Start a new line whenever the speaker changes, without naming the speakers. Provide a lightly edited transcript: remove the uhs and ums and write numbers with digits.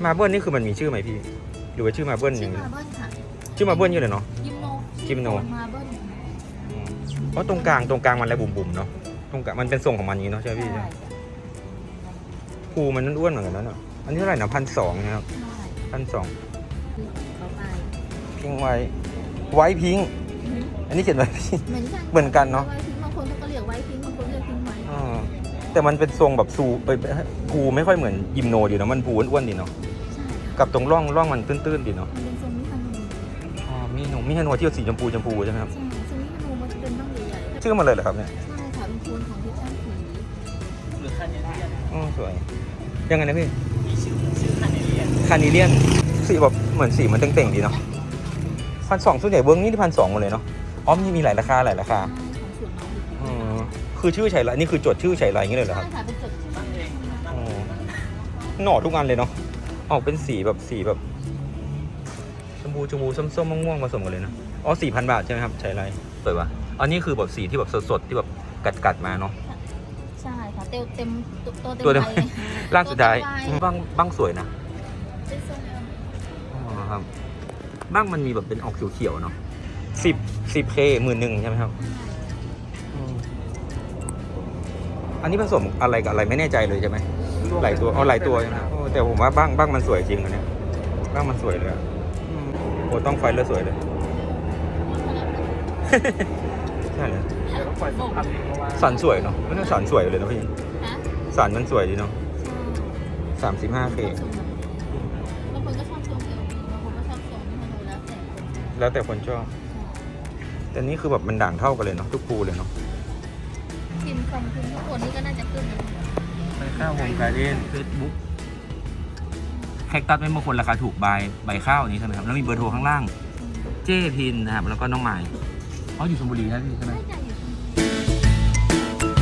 มาเบิลนี่คือมันมีชื่อไหมพี่หรือว่าชื่อมาเบิลอย่างนี้
มาเบิ้ลค่ะ
ชื่อมาเบิลอยู่เลยเนาะ
ยิมโน
มาเบิ้ล เพ
เพ
ราะตรงกลางมันอะไรบุ๋มๆเนาะตรงกลางมันเป็นทรงของมันนี้เนาะใช่ไหมพี่ภูมันนั่นอ้วนเหมือนกันนะเนาะอันนี้เท่าไหร่นะ1,200นะครับ1,200พิงไว้พิงอันนี้เขียนไว้พิงเหมือนกันเนาะ
ไว้พิงบางคนก็เรียกไว้พิงบางคนเรียกพิงไว้
แต่มันเป็นทรงแบบภูไม่ค่อยเหมือนยิมโนดีเนาะมันภูอ้วนๆดีเนาะ
ใช่ค่ะ
กับตรงร่องมันตื้นๆดีเนาะ
มันเป็นทรงมิคาโน
มิฮาโนที่สีชมพูใช่ไหมครับ
ใช่ทรงมิคาโนมันจะเป็นบ้างใหญ่ๆ
ชื่อมันเลยเหรอครับเนี่ย
ใช่ค่ะเป็นโคนของทิศช่างสี
หรือคาเนเลียน
สวยยังไงนะพี่
มีชื่อคาเนเลียน
คานิเลียนสีแบบเหมือนสีมันเต่งๆดีเนาะ1,200ส่วนใหญ่เบิ้งนี่ที่1,200หมดเลยเนาะอ๋อมีหลายราคา
ของสวนน้อง
คือชื่อไฉไลนี่คือจดชื่อไฉไลอย่างนี้เลยเหรอค
ใช่
รับ
ค่ะเป็นจดชื่อ
ตั้งเอง
หน่อทุกอันเลยเนาะออกเป็นสีแบบชมพูส้มม่วงผสมกันเลยนะอ๋อ 4,000 บาทใช่ไหมครับไฉไลสวยว่ะอันนี้คือแบบสีที่แบบสดๆที่แบบกัดมาเนาะ
ใช่ค่ะเต็มตัว
ตัวเต็ม
ใบ
ร่างสุดท้าย
ตัวเต็มใบ
บ้างสวยนะ
เป็นทรงเอว
อ๋อครับบ้างมันมีแบบเป็นออกเขียวๆเนาะ10K 11,000ใช่ไหมครับอันนี้ผสมอะไรกับอะไรไม่แน่ใจเลยใช่ไหมหลายตัวหลายตัวใช่ไหมแต่ผมว่าบ้างมันสวยจริงอันเนี้ยบ้างมันสวยเลยโอ้ต้องไฟแล้วสวยเลยใช่เลย
เดี๋ยวต้องปล่อยสองพันเองเพราะว่า
สันสวยเนาะไม่ต้องสันสวยเลยนะพี่
ฮะ
สันมันสวยดีเนาะ 35K
บางคนก็ชอบทรงเอวบางคนก็ชอบทรงมิคาโนแล้วแต่คนชอบ
แล้วแต่คนชอบแต่นี่คือแบบมันด่างเท่ากันเลยเนาะทุกภูเลยเนาะ
พิมพ์ทุกคนนี่ก็น่าจะขึ้นนะ
ไปข้าวโฮมการ์เด้นเฟซบุ๊กแคคตัสไม่บางคนราคาถูกใบข้าวนี้ใช่ไหมครับแล้วมีเบอร์โทรข้างล่างเจ้พินนะครับแล้วก็น้องใหม่อยู่ชลบุรีนะพี่ใช่ไหม
ใช่จ้ะอยู่